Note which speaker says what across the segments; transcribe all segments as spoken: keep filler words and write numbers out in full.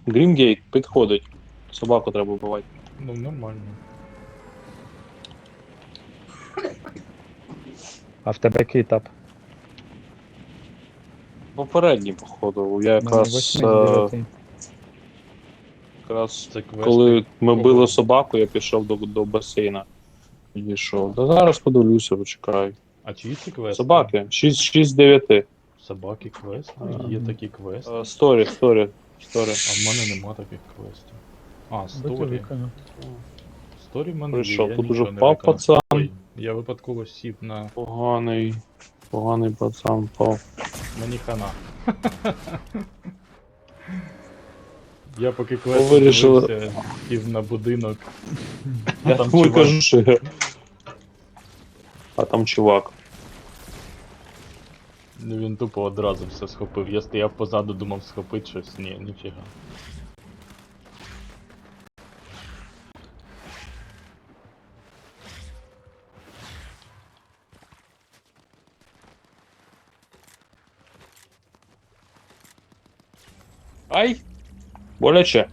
Speaker 1: Грінгейт підходить. Собаку треба вбивати.
Speaker 2: Ну, нормально.
Speaker 3: А в тебе який етап?
Speaker 1: Попередній, походу. Я
Speaker 3: У мене
Speaker 1: якраз,
Speaker 3: восьмий,
Speaker 1: е,
Speaker 3: дев'ятий.
Speaker 1: якраз
Speaker 2: Це квести.
Speaker 1: коли ми
Speaker 2: Кого?
Speaker 1: били собаку, я пішов до, до басейна. Підійшов. Да зараз подивлюся, почекай.
Speaker 2: А чиї це квести?
Speaker 1: Собаки. шість з дев'яти.
Speaker 2: Собаки квести? Є такі квести?
Speaker 1: Е, Сторі, сторі, сторі.
Speaker 2: А в мене нема таких квестів. А,
Speaker 3: Бити
Speaker 2: сторі.
Speaker 3: виконав.
Speaker 2: Сторі в мене
Speaker 1: Прийшов,
Speaker 2: є, я
Speaker 1: тут уже
Speaker 2: нічого не
Speaker 1: впав
Speaker 2: виконав.
Speaker 1: пацан.
Speaker 2: Ой, я випадково сів на...
Speaker 1: Поганий. Поганий пацан впав.
Speaker 2: Мені хана. Я поки
Speaker 1: Ви
Speaker 2: квест
Speaker 1: вирішили-
Speaker 2: дивився, сів на будинок.
Speaker 1: Я
Speaker 2: Там
Speaker 1: тому й
Speaker 2: чувак.
Speaker 1: кажу, що я- А там чувак.
Speaker 2: Ну він тупо одразу все схопив. Я стояв позаду, думав схопити щось. Ні, ніфіга.
Speaker 1: Ай! Боляче.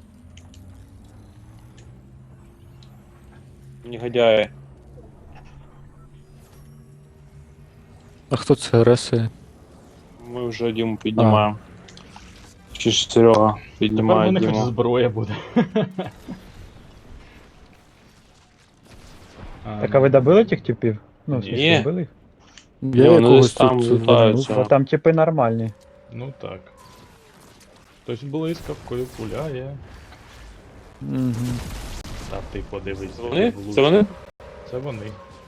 Speaker 1: Негодяї.
Speaker 4: А хто це ресує?
Speaker 1: Ми вже Діму піднімаємо. Чи ж Серега
Speaker 2: Тепер в
Speaker 1: піднімає
Speaker 2: мене хоч
Speaker 1: Діму.
Speaker 2: зброя буде.
Speaker 3: Так, а ви добили тих типів? Ну, в
Speaker 2: Ні.
Speaker 3: смысле, добили їх?
Speaker 4: Я
Speaker 1: вони
Speaker 4: якогось
Speaker 1: десь там
Speaker 4: тут
Speaker 1: лутаються.
Speaker 4: вернув.
Speaker 3: Бо там типи нормальні.
Speaker 2: Ну так. Хтось блискавкою пуляє.
Speaker 4: Мгм.
Speaker 2: Та ти подивись.
Speaker 1: Це вони?
Speaker 2: влучно.
Speaker 1: Це вони?
Speaker 2: Це вони.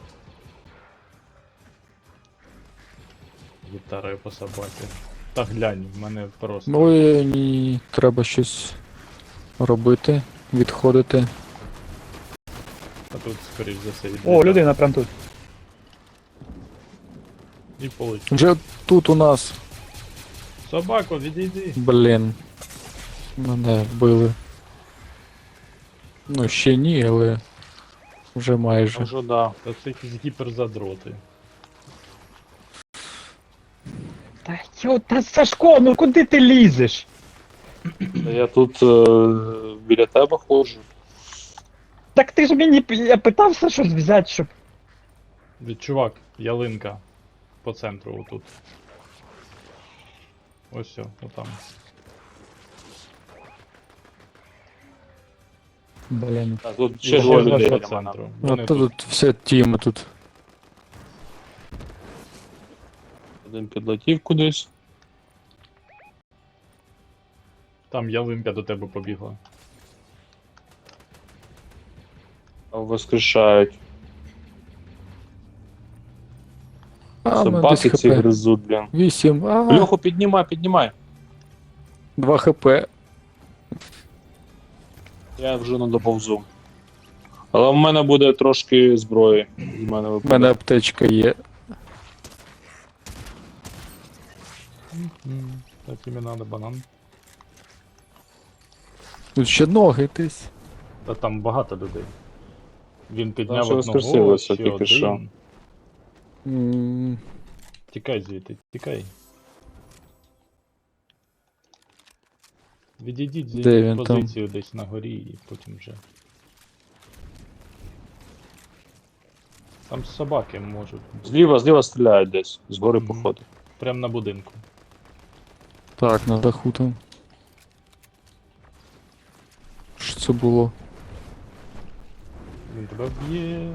Speaker 2: Гітарою по собаці. Та глянь, в мене просто.
Speaker 4: Ой, ні, треба щось робити, відходити.
Speaker 2: А тут, скоріш за все,
Speaker 3: О,
Speaker 2: відлітає.
Speaker 3: людина прям тут.
Speaker 2: І полетів.
Speaker 4: Вже тут у нас,
Speaker 2: Собако, відійди.
Speaker 4: блін. Мене вбили. Ну, ще ні, але вже майже.
Speaker 1: Вже да.
Speaker 2: Та це якісь гіперзадроти.
Speaker 3: Та йо, та Сашко, ну куди ти лізеш?
Speaker 1: Та я тут е, біля тебе ходжу.
Speaker 3: Так ти ж мені п- я питався щось взяти, щоб.
Speaker 2: Від чувак, ялинка. По центру отут. Ось все, отам.
Speaker 3: Блін.
Speaker 1: Так, тут
Speaker 2: І
Speaker 1: ще двоє
Speaker 2: ще
Speaker 1: людей
Speaker 2: по
Speaker 1: біля мене.
Speaker 2: центру.
Speaker 4: Ну,
Speaker 2: Вони
Speaker 4: то
Speaker 2: тут.
Speaker 4: тут вся тіма тут.
Speaker 1: Один підлетів кудись.
Speaker 2: Там ялинка до тебе побігла.
Speaker 1: А воскрешають.
Speaker 4: А, в мене десь
Speaker 1: Собаки ці
Speaker 4: хп.
Speaker 1: гризуть, блін.
Speaker 4: Вісім. А,
Speaker 1: Льоху, піднімай, піднімай.
Speaker 4: два хп.
Speaker 1: Я вже не доповзу. Але в мене буде трошки зброї. З мене
Speaker 4: У
Speaker 1: випаде.
Speaker 4: мене аптечка є.
Speaker 2: М, Так тобі надо банан.
Speaker 4: Тут ще ноги десь.
Speaker 2: Та там багато людей. Він підняв
Speaker 1: ще
Speaker 2: одного,
Speaker 1: воскресилося
Speaker 2: ще
Speaker 1: тільки
Speaker 2: один.
Speaker 1: що.
Speaker 4: М,
Speaker 2: Тікай звідти, тікай. Відійдіть,
Speaker 4: Де
Speaker 2: займіть
Speaker 4: він там?
Speaker 2: позицію десь на горі і потім вже. Там собаки можуть.
Speaker 1: Зліва, зліва стріляють десь. Згори
Speaker 2: Мгм.
Speaker 1: походу.
Speaker 2: Прям на будинку.
Speaker 4: Так, на даху там. Що це було?
Speaker 2: Він тебе вб'є.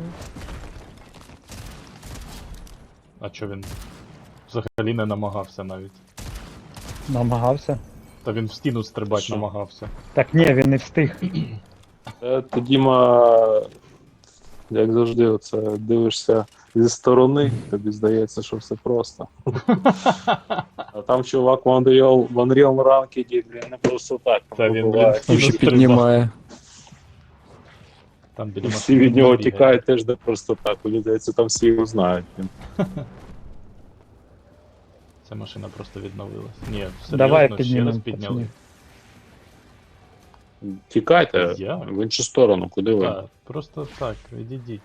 Speaker 2: А чо він взагалі не намагався навіть?
Speaker 3: Намагався.
Speaker 2: Та він в стіну стрибати
Speaker 1: Що?
Speaker 2: намагався.
Speaker 3: Так ні, він не встиг.
Speaker 1: Е, Ти, Діма, як завжди, оце дивишся зі сторони, тобі здається, що все просто. А там чувак в Unreal, в Unreal Ranked, блін, не просто так.
Speaker 2: Та він,
Speaker 1: буває.
Speaker 2: блін,
Speaker 4: Там
Speaker 2: стіну
Speaker 4: ще
Speaker 2: стрибав.
Speaker 4: піднімає.
Speaker 2: Там біля
Speaker 1: І всі
Speaker 2: машини
Speaker 1: від нього
Speaker 2: бігає.
Speaker 1: тікають теж не просто так. Мені здається, там всі його знають. блін.
Speaker 2: Ця машина просто відновилась. Ні, серйозно,
Speaker 3: Давай
Speaker 2: ще
Speaker 3: піднімемо,
Speaker 2: раз підняли.
Speaker 3: пацанів.
Speaker 1: Тікайте
Speaker 2: Я?
Speaker 1: в іншу сторону, куди ви?
Speaker 2: Так, просто так, відійдіть.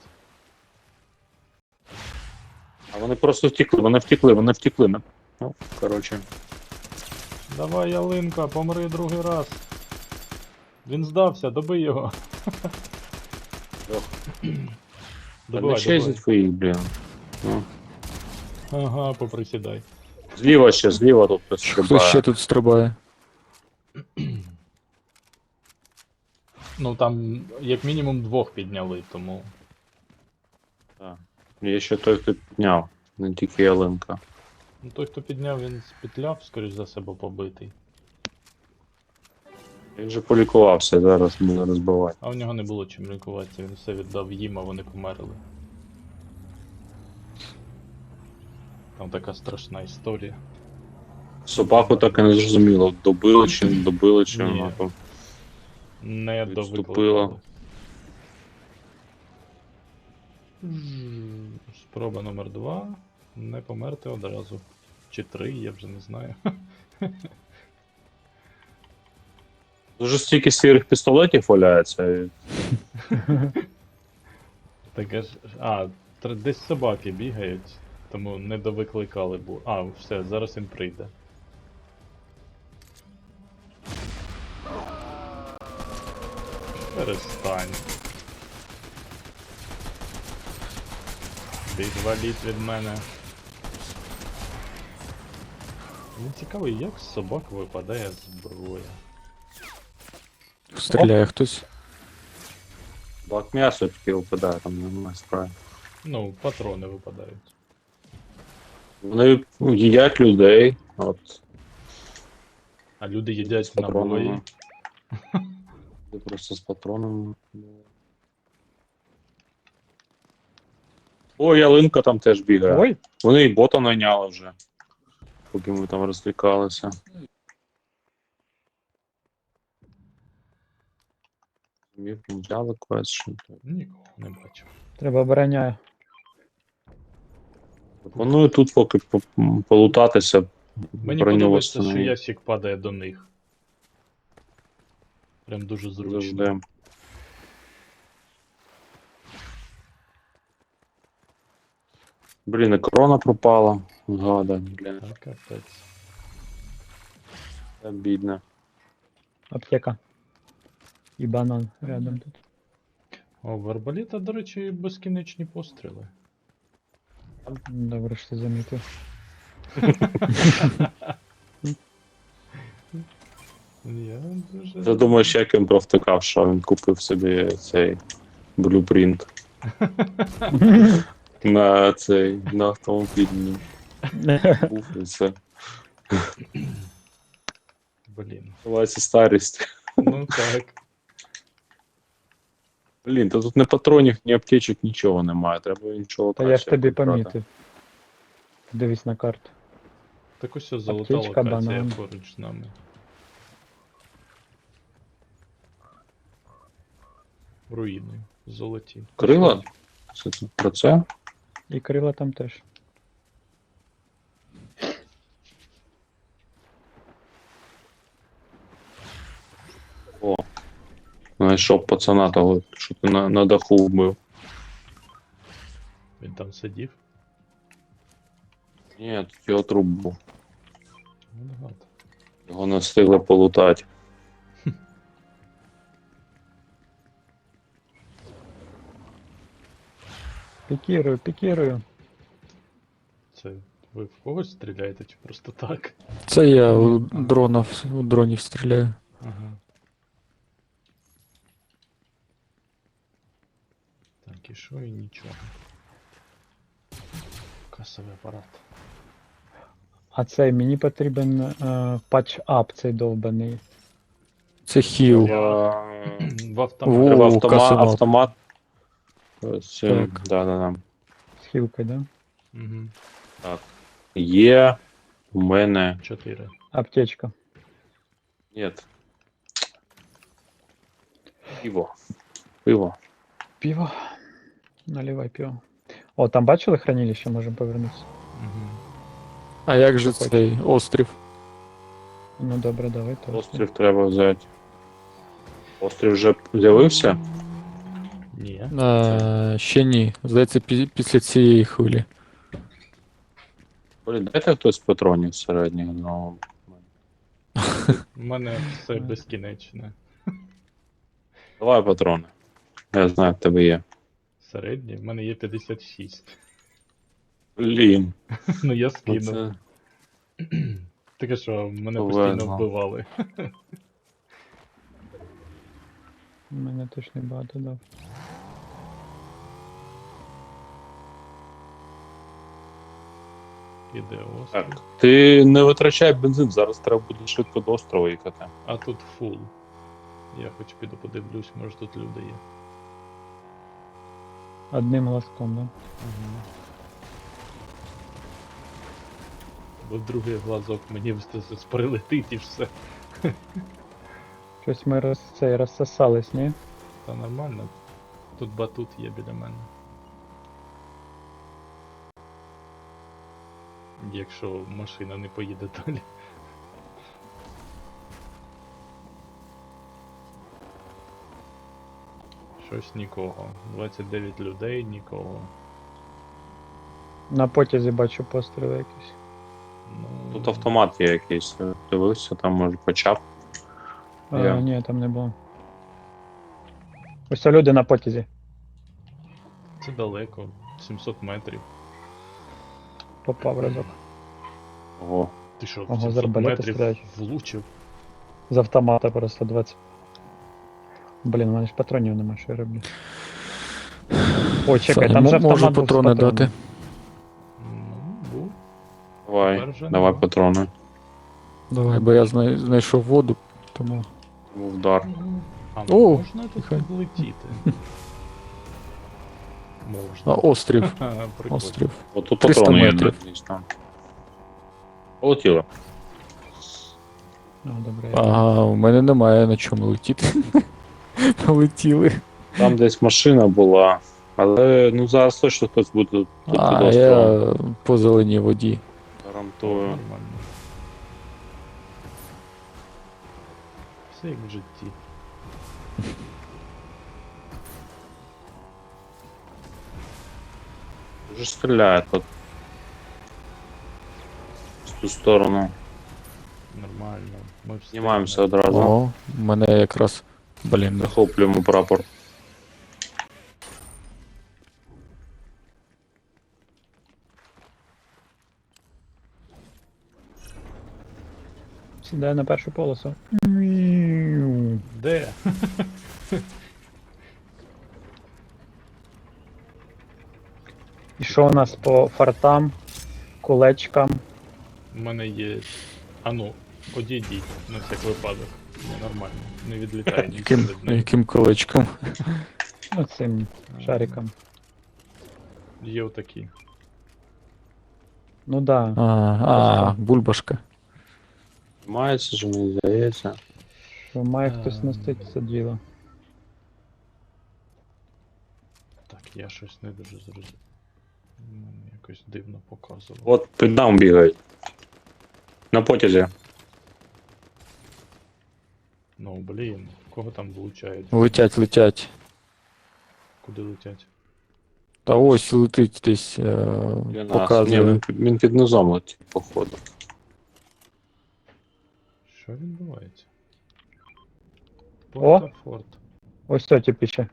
Speaker 1: А вони просто втекли, вони втекли, вони втекли. Ну, коротше.
Speaker 2: Давай, ялинка, помри другий раз. Він здався, добий його.
Speaker 1: Ох. Та не
Speaker 2: Добивай,
Speaker 1: чезять
Speaker 2: добивай.
Speaker 1: твоїх, блін. Ну.
Speaker 2: Ага, поприсідай.
Speaker 1: Зліва ще, зліва тут хтось
Speaker 4: Хтось
Speaker 1: стрибає.
Speaker 4: ще тут стрибає.
Speaker 2: Ну там як мінімум двох підняли, тому.
Speaker 1: Так. Є ще той, хто підняв, не тільки ялинка.
Speaker 2: Ну той, хто підняв, він спетляв, скоріш за себе побитий.
Speaker 1: Він же полікувався, зараз буде розбивати.
Speaker 2: А у нього не було чим лікуватися, він все віддав їм, а вони померли. Там така страшна історія.
Speaker 1: Собаку так і не зрозуміло, добили чи не добили, чи
Speaker 2: Ні.
Speaker 1: вона там.
Speaker 2: Не
Speaker 1: Відступила.
Speaker 2: довикликали. М, Спроба номер два. Не померти одразу. Чи три, я вже не знаю.
Speaker 1: Дуже стільки сірих пістолетів валяється. і
Speaker 2: Таке ж. А, тр- десь собаки бігають, тому не довикликали, бо. А, все, зараз він прийде. Перестань. Відваліть від мене. Мені цікаво, як з собак випадає зброя.
Speaker 4: Стріляє хтось.
Speaker 1: Бак м'ясо таке випадає, там немає справи.
Speaker 2: Ну, патрони випадають.
Speaker 1: Вони їдять людей, от,
Speaker 2: А люди
Speaker 1: з
Speaker 2: їдять набої.
Speaker 1: патронами. Ти просто з патронами. О, ялинка там теж бігає.
Speaker 3: Ой,
Speaker 1: Вони і бота найняли вже. Поки ми там розлікалися. Мір не взяли квест, що то.
Speaker 2: Нікого не бачу.
Speaker 3: треба обороняю.
Speaker 1: Пропоную тут поки по- м, полутатися.
Speaker 2: Мені
Speaker 1: броню
Speaker 2: подобається, що
Speaker 1: восстановити.
Speaker 2: ящик падає до них. Прям дуже зручно.
Speaker 1: Завжди. Блін, і корона пропала. Гада, блін,
Speaker 2: Так, капець.
Speaker 1: це бідне.
Speaker 3: Аптека. І банан рядом тут.
Speaker 2: О, в арбаліта, до речі, безкінечні постріли.
Speaker 3: Добре, що ти замітив.
Speaker 2: Я дуже.
Speaker 1: Ти думаєш, як він провтикав, що він купив собі цей блюпринт на цей на автомобільний був і це.
Speaker 2: Блін.
Speaker 1: Називається старість.
Speaker 2: Ну так.
Speaker 1: Блін, та тут ні патронів, ні аптечок, нічого немає. Треба нічого
Speaker 3: Та я ж
Speaker 1: краще
Speaker 3: тобі
Speaker 1: брати.
Speaker 3: помітив. Дивись на карту.
Speaker 2: Так ось золота
Speaker 3: Аптечка,
Speaker 2: локація
Speaker 3: банан.
Speaker 2: поруч з нами. Руїни. Золоті.
Speaker 1: Крила? Це тут про це?
Speaker 3: І крила там теж.
Speaker 1: О. Знайшов пацана того, що ти на, на даху вбив.
Speaker 2: Він там сидів.
Speaker 1: Ні, тут його труп був.
Speaker 2: Ну, багато.
Speaker 1: Його не встигли полутати.
Speaker 3: Пікірую, пікірую.
Speaker 2: Це ви в когось стріляєте чи просто так?
Speaker 4: Це я у дронів, у дронів стріляю.
Speaker 2: Ага. Так, і що і нічого. Касовий апарат.
Speaker 3: А цей мені потрібен е, патч-ап цей довбаний.
Speaker 4: Це хіл.
Speaker 1: Я...
Speaker 2: В автомат.
Speaker 4: Во.
Speaker 1: Треба
Speaker 4: О,
Speaker 1: автомат.
Speaker 4: каземат.
Speaker 1: автомат. Ось, е,
Speaker 4: Так.
Speaker 1: да, да, да.
Speaker 3: З хілкою, да?
Speaker 2: Угу.
Speaker 1: Так. Є у мене.
Speaker 2: Чотири.
Speaker 3: Аптечка.
Speaker 1: Ні. Пиво. Пиво.
Speaker 3: Пиво. Наливай пиво. О, там бачили хранилище, можемо повернутися.
Speaker 2: Угу.
Speaker 4: А як же цей острів?
Speaker 3: Ну добре, давай то.
Speaker 1: Острів треба взяти. Острів вже з'явився?
Speaker 2: Ні.
Speaker 4: А, ще ні. Здається, пі- після цієї хвилі.
Speaker 1: Блін, дайте хтось патронів середніх, ну.
Speaker 2: У мене все безкінечне.
Speaker 1: Давай патрони. Я знаю, в тебе є.
Speaker 2: Середній, в мене є п'ятдесят шість.
Speaker 1: Блін.
Speaker 2: Ну я
Speaker 1: Ну
Speaker 2: скинув.
Speaker 1: це...
Speaker 2: Таке що, мене
Speaker 1: Повезло.
Speaker 2: постійно вбивали.
Speaker 3: У мене теж не багато дав.
Speaker 2: Іде острів.
Speaker 1: Так. Ти не витрачай бензин, зараз треба буде швидко до острова їхати.
Speaker 2: А тут фул. Я хоч піду подивлюсь, може тут люди є.
Speaker 3: Одним глазком, да?
Speaker 2: Бо другий глазок мені встиг прилетить і все.
Speaker 3: Щось ми роз, цей, розсосались, ні?
Speaker 2: Та нормально. Тут батут є біля мене. Якщо машина не поїде далі. Щось нікого. двадцять дев'ять людей, нікого.
Speaker 3: На потязі бачу постріли якісь.
Speaker 2: Ну,
Speaker 1: Тут автомат є якийсь. Дивився, там може почап.
Speaker 3: А,
Speaker 1: Я.
Speaker 3: ні, там не було. Ось це люди на потязі.
Speaker 2: Це далеко, сімсот метрів.
Speaker 3: Попав разок.
Speaker 1: Ого.
Speaker 2: Ти що, в
Speaker 3: Ого, з
Speaker 2: сімсот
Speaker 3: арбалета
Speaker 2: метрів
Speaker 3: стріляють.
Speaker 2: влучив?
Speaker 3: З автомата просто двадцять. Блін, у мене ж патронів нема, що я роблю. О, чекай,
Speaker 4: Саня,
Speaker 3: там
Speaker 4: мо-
Speaker 3: же автомат
Speaker 4: можу
Speaker 3: був з
Speaker 4: патрони
Speaker 3: патронами.
Speaker 4: дати.
Speaker 2: Ну, був.
Speaker 1: Давай,
Speaker 2: Тепер вже
Speaker 1: давай
Speaker 2: нема.
Speaker 1: патрони.
Speaker 4: Давай, бо я знай- знайшов воду, тому.
Speaker 1: Був удар.
Speaker 2: А
Speaker 4: О,
Speaker 2: можна тут
Speaker 4: нехай.
Speaker 2: влетіти?
Speaker 4: А,
Speaker 2: Можна.
Speaker 4: острів.
Speaker 2: Ха, прикольно.
Speaker 4: Острів.
Speaker 1: Отут
Speaker 4: триста
Speaker 1: патрони є
Speaker 4: метрів.
Speaker 1: десь там. Полетіло.
Speaker 3: А, добре. я-
Speaker 4: Ага, у мене немає на чому летіти. Полетіли.
Speaker 1: Там десь машина була. Але ну зараз точно хтось буде тут під
Speaker 4: А,
Speaker 1: островом.
Speaker 4: я по зеленій воді.
Speaker 1: Гарантую.
Speaker 2: Нормально. Все як в житті.
Speaker 1: Вже стріляє тут. З ту сторону.
Speaker 2: Нормально. Ми
Speaker 1: Знімаємося
Speaker 2: встигнемо.
Speaker 1: одразу.
Speaker 4: О, у мене якраз. Блін,
Speaker 1: Захоплюємо прапор.
Speaker 3: Сідаю на першу полосу.
Speaker 2: Де?
Speaker 3: І що у нас по фартам, кулечкам?
Speaker 2: У мене є. А ну, одійдіть на всяк випадок. Не нормально. Не відлітає нічого
Speaker 4: яким,
Speaker 2: від них.
Speaker 4: яким колечком.
Speaker 3: Ну, цим шариком.
Speaker 2: Є отакі.
Speaker 3: Ну да.
Speaker 4: А, а, бульбашка.
Speaker 1: Мається ж, мені здається.
Speaker 3: Що має хтось
Speaker 2: Ем.
Speaker 3: носити це діло.
Speaker 2: Так, я щось не дуже зрозумів. М, Якось дивно показував.
Speaker 1: От під нам бігають. На потязі.
Speaker 2: Ну блін, кого там влучають?
Speaker 4: Летять, летять.
Speaker 2: Куди летять?
Speaker 4: Та ось летить десь, е,
Speaker 1: Для нас. Ні,
Speaker 4: показує.
Speaker 1: він, під- він під низом летить, походу.
Speaker 2: Що відбувається?
Speaker 3: О!
Speaker 2: Порта-форт.
Speaker 3: Ось то типу ще.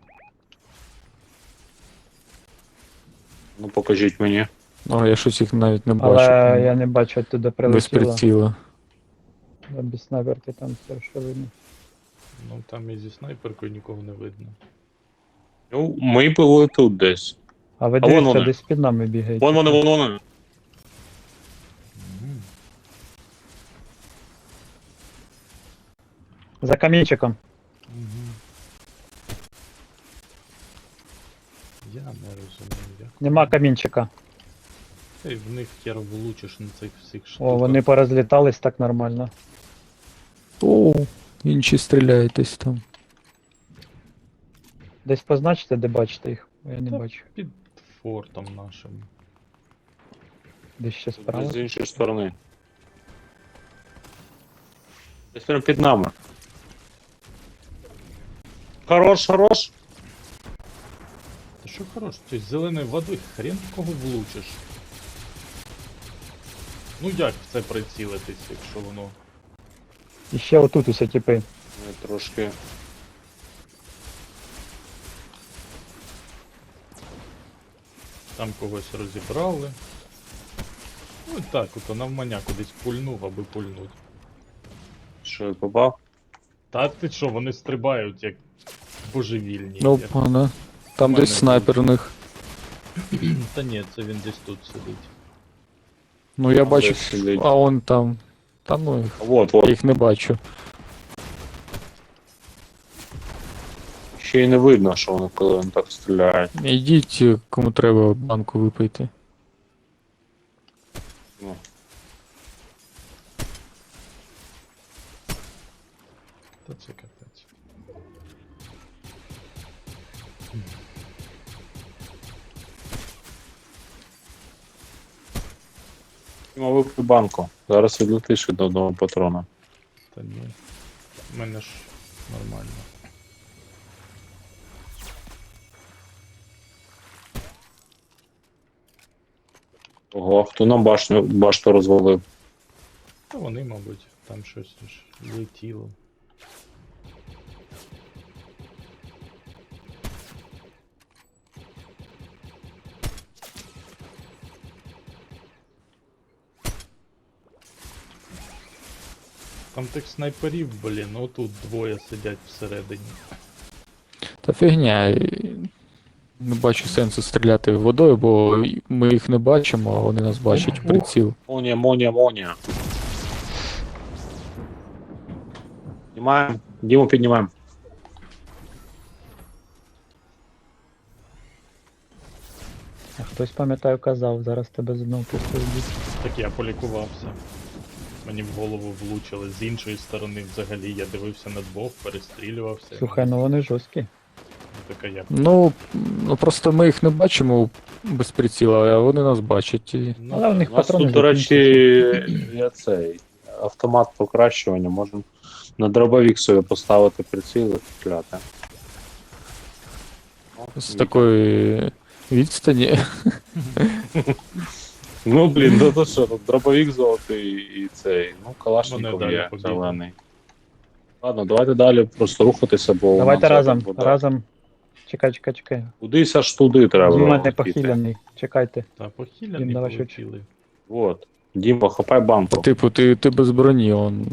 Speaker 1: Ну покажіть мені.
Speaker 4: О, я щось їх навіть не
Speaker 3: Але
Speaker 4: бачу.
Speaker 3: я не бачу, оттуда
Speaker 4: Без
Speaker 3: прилетіло.
Speaker 4: приціла.
Speaker 3: Да, без снайперки там все, що видно.
Speaker 2: Ну там і зі снайперкою нікого не видно.
Speaker 1: Ну, ми були тут десь.
Speaker 3: А ви
Speaker 1: А вон
Speaker 3: дивіться,
Speaker 1: вони.
Speaker 3: десь під нами бігають.
Speaker 1: Вон вони, вон вони.
Speaker 2: Мгм.
Speaker 3: За камінчиком.
Speaker 2: Мгм. Я не розумію, як.
Speaker 3: Нема камінчика.
Speaker 2: Ти в них хер влучиш на цих всіх штуках.
Speaker 3: О, вони порозлітались так нормально.
Speaker 4: О, інші стріляють десь там.
Speaker 3: Десь позначите, де бачите їх? Я не
Speaker 2: Та
Speaker 3: бачу.
Speaker 2: Під фортом нашим.
Speaker 3: Десь ще справа.
Speaker 1: З іншої сторони. Десь прямо під нами. Хорош, хорош.
Speaker 2: Та що хорош, ти з зеленою водою хрен в кого влучиш. Ну як в це прицілитись, якщо воно.
Speaker 3: І ще отут усе типи.
Speaker 1: Ми трошки
Speaker 2: Там когось розібрали. Ну так, ото навмання кудись пульнув, аби пульнуть.
Speaker 1: Що я попав?
Speaker 2: Та ти що, вони стрибають як божевільні.
Speaker 4: Ну,
Speaker 2: як-
Speaker 4: пане. Там
Speaker 2: мене
Speaker 4: десь снайпер у них.
Speaker 2: Та ні, це він десь тут сидить.
Speaker 4: Ну я
Speaker 1: Там
Speaker 4: бачу,
Speaker 1: десь сидить.
Speaker 4: а он там. Та ну їх.
Speaker 1: Вот,
Speaker 4: Я
Speaker 1: вот.
Speaker 4: їх не бачу.
Speaker 1: Ще й не видно, що вони коли вони так стріляють.
Speaker 4: Ідіть, кому треба банку випийте.
Speaker 1: Ну.
Speaker 2: Та це капець.
Speaker 1: Діма, випий банку. Зараз відлетиш від одного патрона.
Speaker 2: Та ні. У мене ж нормально.
Speaker 1: Ого, хто нам башню, башту розвалив?
Speaker 2: Та вони, мабуть, там щось ж летіло. Там тих снайперів, блін, ну тут двоє сидять всередині.
Speaker 4: Та фігня. і Не бачу сенсу стріляти водою, бо ми їх не бачимо, а вони нас бачать в приціл.
Speaker 1: Монія, монія, монія. Піднімаємо. Діму піднімаємо.
Speaker 3: А хтось, пам'ятаю, казав, зараз тебе з одного пустив бік.
Speaker 2: Так я полікувався. Мені в голову влучили. З іншої сторони взагалі я дивився на двох, перестрілювався.
Speaker 3: Слухай, ну вони жорсткі.
Speaker 2: Така я.
Speaker 4: Ну, ну просто ми їх не бачимо без приціла, а вони нас бачать. І...
Speaker 2: Ну,
Speaker 3: Але в них
Speaker 1: У нас
Speaker 3: патрони
Speaker 1: тут, до речі,
Speaker 3: закінчуються.
Speaker 1: є цей автомат покращування. Можемо на дробовик собі поставити приціл і стріляти. О,
Speaker 4: З
Speaker 1: Віка.
Speaker 4: такої відстані.
Speaker 1: Ну, блін, ну то що, тут дробовик золотий і цей, ну,
Speaker 2: Вони
Speaker 1: калашников
Speaker 2: далі
Speaker 1: є
Speaker 2: побігли.
Speaker 1: зелений. Ладно, давайте далі просто рухатися, бо у
Speaker 3: Давайте
Speaker 1: нас
Speaker 3: разом,
Speaker 1: зараз буде-
Speaker 3: разом. Чекай, чекай, чекай.
Speaker 1: Кудись аж туди треба.
Speaker 3: Діма не
Speaker 1: летіти.
Speaker 3: похиляний. Чекайте.
Speaker 2: Та похиляні
Speaker 3: Дім, давай швидше.
Speaker 2: полетіли.
Speaker 1: Вот. Діма, хапай банку.
Speaker 4: Типу, ти, ти без броні, он.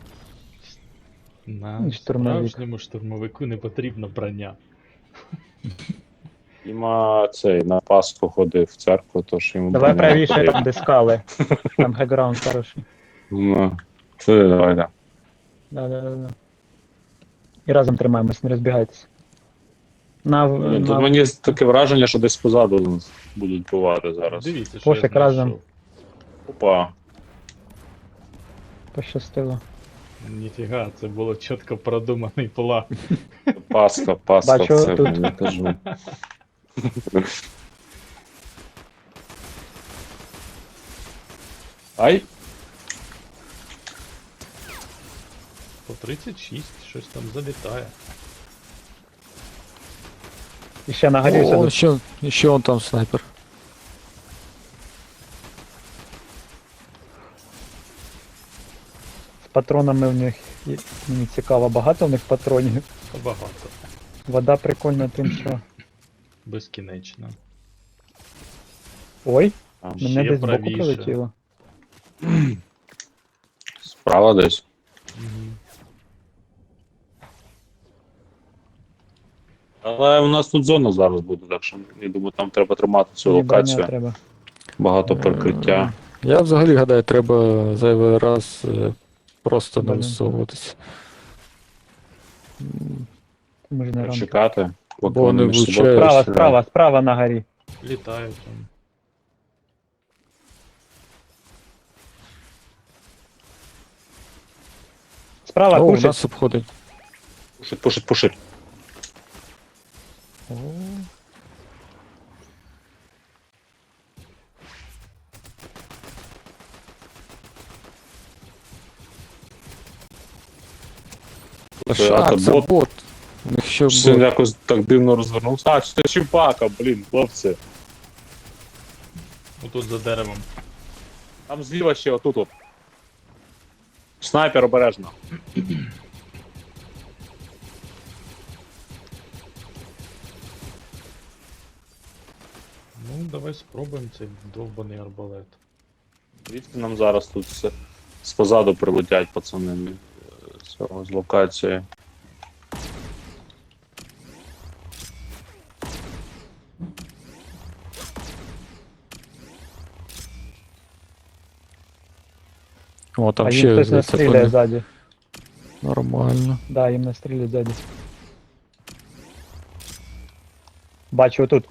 Speaker 2: На
Speaker 3: Штурмовик.
Speaker 2: справжньому штурмовику не потрібно броня.
Speaker 1: Діма цей на Пасху ходив в церкву, тож йому
Speaker 3: Давай
Speaker 1: броня не
Speaker 3: правіше,
Speaker 1: потрібна.
Speaker 3: там де скали. Там хеграунд хороший.
Speaker 1: Ну, це давай, да.
Speaker 3: Да, да, да, да. І разом тримаємось, не розбігайтеся. На,
Speaker 1: Блін,
Speaker 3: на...
Speaker 1: Тут мені таке враження, що десь позаду нас будуть бувати зараз.
Speaker 2: Дивіться, що
Speaker 3: Пофіг,
Speaker 2: я
Speaker 3: разом.
Speaker 2: знайшов.
Speaker 1: Опа.
Speaker 3: Пощастило.
Speaker 2: Ніфіга, це було чітко продуманий план.
Speaker 1: Пасха, Пасха,
Speaker 3: Бачу,
Speaker 1: це
Speaker 3: тут-
Speaker 1: я кажу. Ай,
Speaker 2: По тридцять шість, щось там залітає.
Speaker 3: І ще нагорівся.
Speaker 4: О,
Speaker 3: до-
Speaker 4: ще, ще он там снайпер.
Speaker 3: З патронами в них, і- мені цікаво, багато в них патронів.
Speaker 2: Та багато.
Speaker 3: Вода прикольна тим, що...
Speaker 2: Безкінечно.
Speaker 3: Ой,
Speaker 1: там
Speaker 3: мене
Speaker 2: ще
Speaker 3: десь збоку
Speaker 2: правіше.
Speaker 3: прилетіло.
Speaker 1: справа десь.
Speaker 2: Мгм.
Speaker 1: Але у нас тут зона зараз буде, так що я думаю, там треба тримати цю
Speaker 3: Мені броня
Speaker 1: локацію.
Speaker 3: треба.
Speaker 1: Багато прикриття.
Speaker 4: Я взагалі гадаю, треба зайвий раз е, просто не
Speaker 3: Блін.
Speaker 4: висовуватись. М,
Speaker 3: Ми ж не ранку.
Speaker 1: Чекати. поки
Speaker 4: Бо вони
Speaker 1: між собою
Speaker 4: влучають.
Speaker 3: Справа,
Speaker 1: перестріляють.
Speaker 3: справа, справа на горі.
Speaker 2: Літають там.
Speaker 3: Справа
Speaker 4: О, у
Speaker 3: пушить.
Speaker 4: нас обходить.
Speaker 1: Пушить, пушить, пушить.
Speaker 4: О,
Speaker 1: Це, а,
Speaker 4: а,
Speaker 1: це
Speaker 4: це
Speaker 1: бот.
Speaker 4: бот. У них ще
Speaker 1: Це
Speaker 4: бот.
Speaker 1: якось так дивно розвернувся. А, це чіпака, блін, хлопці.
Speaker 2: Отут за деревом.
Speaker 1: Там зліва ще отут от. Снайпер обережно.
Speaker 2: Ну, давай спробуємо цей довбаний арбалет.
Speaker 1: Звідки нам зараз тут все спозаду прилетять пацани з цього, з локації.
Speaker 4: О, там
Speaker 3: а їм
Speaker 4: ще
Speaker 3: хтось
Speaker 4: здається,
Speaker 3: настріляє
Speaker 4: вони.
Speaker 3: ззаді.
Speaker 4: Нормально.
Speaker 3: Да, їм настріляють ззаді. Бачу отут.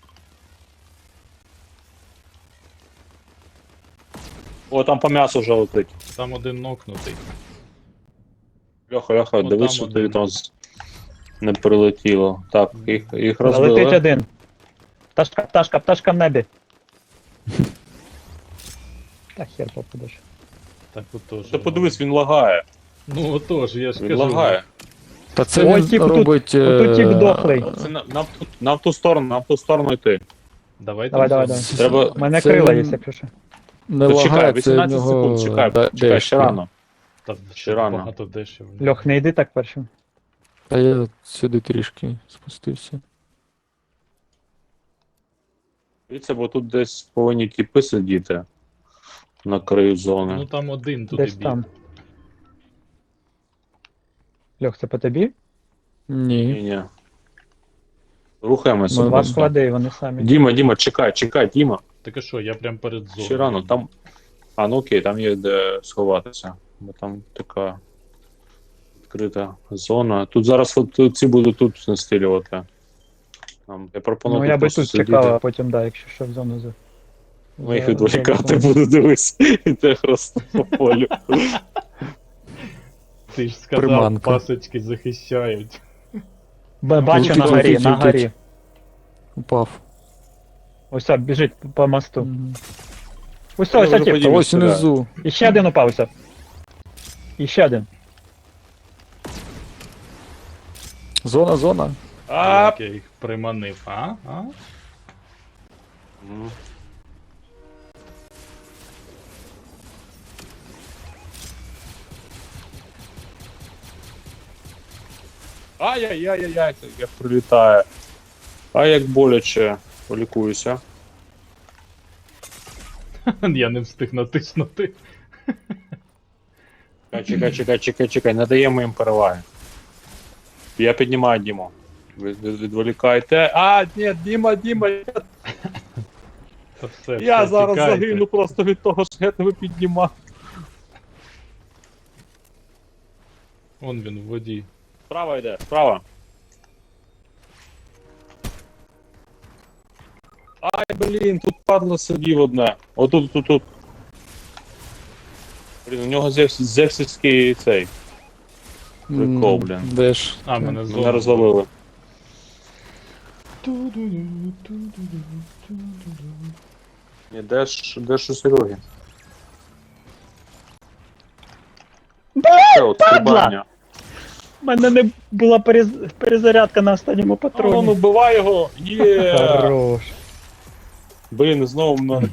Speaker 1: О, там по м'ясу вже летить.
Speaker 2: Там один нокнутий.
Speaker 1: Льоха, Льоха,
Speaker 2: О,
Speaker 1: дивись,
Speaker 2: там
Speaker 1: що
Speaker 2: один.
Speaker 1: тобі там з- не прилетіло. Так, їх, їх
Speaker 3: Летить
Speaker 1: розбили.
Speaker 3: один. Пташка, пташка, пташка в небі. Та хер попадеш.
Speaker 2: Так отож.
Speaker 1: Ти подивись, він лагає.
Speaker 2: Ну отож, я ж
Speaker 1: Він
Speaker 2: кажу.
Speaker 1: лагає.
Speaker 4: Та це
Speaker 3: Ой,
Speaker 4: він
Speaker 3: тіп, тут-
Speaker 4: робить.
Speaker 3: отут тіп
Speaker 4: е,
Speaker 3: дохлий.
Speaker 1: Це на, на, в ту- на в ту сторону, на в ту сторону йти.
Speaker 2: Давай,
Speaker 3: Давай,
Speaker 2: там
Speaker 3: давай,
Speaker 2: зробимо.
Speaker 3: давай.
Speaker 1: Треба-
Speaker 3: У мене
Speaker 4: це
Speaker 3: крила
Speaker 4: він
Speaker 3: є, якщо що.
Speaker 4: Не
Speaker 1: Та чекай,
Speaker 4: лагає, це в
Speaker 1: вісімнадцять
Speaker 4: нього.
Speaker 1: секунд, чекай,
Speaker 4: да-
Speaker 1: чекай, ще
Speaker 4: дешки.
Speaker 1: рано.
Speaker 2: Та
Speaker 1: ще рано.
Speaker 2: багато дешев.
Speaker 3: Льох, не йди так першим.
Speaker 4: Та я сюди трішки спустився.
Speaker 1: Дивіться, бо тут десь повинні тіпи сидіти на краю
Speaker 2: Ну
Speaker 1: зони.
Speaker 2: там один туди
Speaker 3: Десь
Speaker 2: біг.
Speaker 3: там. Льох, це по тобі?
Speaker 4: Ні.
Speaker 1: Ні-ні. Рухаємося
Speaker 4: Ну,
Speaker 3: Два
Speaker 1: просто.
Speaker 3: склади, вони самі.
Speaker 1: Діма, Діма, чекай, чекай, Діма.
Speaker 2: Так а що, я прям перед зоною.
Speaker 1: Ще рано, там. А, ну окей, там є де сховатися. Бо там така відкрита зона. Тут зараз от, тут ці будуть тут настрілювати. Там, я пропоную
Speaker 3: Ну
Speaker 1: тут
Speaker 3: я би
Speaker 1: просто
Speaker 3: тут
Speaker 1: сидіти.
Speaker 3: чекав, а потім, да, якщо що, в зону за.
Speaker 1: Ми їх
Speaker 3: за-
Speaker 1: відволікати
Speaker 3: за-
Speaker 1: буду, дивись. Іде просто по полю.
Speaker 2: Ти ж сказав,
Speaker 4: Приманка.
Speaker 2: пасочки захищають.
Speaker 3: Б- Бачу
Speaker 4: Тут,
Speaker 3: на
Speaker 4: тут,
Speaker 3: горі,
Speaker 4: тут,
Speaker 3: на
Speaker 4: тут.
Speaker 3: горі.
Speaker 4: Упав.
Speaker 3: Ось так, біжить по мосту.
Speaker 4: Мгм.
Speaker 3: Ось
Speaker 1: Я
Speaker 3: ось
Speaker 1: вже
Speaker 3: ось.
Speaker 1: подів-
Speaker 4: Та
Speaker 1: Діма
Speaker 4: ось
Speaker 1: стріляє.
Speaker 4: внизу.
Speaker 3: І ще один упав ось. І ще один.
Speaker 4: Зона, зона.
Speaker 1: А!
Speaker 2: Як я їх приманив, а? А?
Speaker 1: Мгм. Ай-яй-яй-яй, як прилітає. А як боляче. Полікуюся.
Speaker 2: Я не встиг натиснути.
Speaker 1: Чекай, чекай, чекай, чекай, чекай, не даємо їм переваги. Я піднімаю Діму. Ви від- відволікайте. А, ні, Діма, Діма, я,
Speaker 2: Та все,
Speaker 1: я
Speaker 2: все,
Speaker 1: зараз
Speaker 2: тікайте.
Speaker 1: загину просто від того, що я тебе піднімаю.
Speaker 2: Вон він в воді.
Speaker 1: Справа йде, справа. Ай, блін, тут падло сидів одне. Отут, тут, тут. Блін, у нього зевс, зевсівський цей. Прикол,
Speaker 4: М,
Speaker 1: блін.
Speaker 4: Де ж?
Speaker 2: А, мене
Speaker 1: Мене
Speaker 2: зона.
Speaker 1: розвалили. Ні, де ж, де ж у Сереги? Це от
Speaker 3: падла!
Speaker 1: стрибання.
Speaker 3: У мене не була перез- перезарядка на останньому
Speaker 1: А, ну,
Speaker 3: патроні.
Speaker 1: убивай його! Є!
Speaker 3: Хорош.
Speaker 1: Блін, знову мене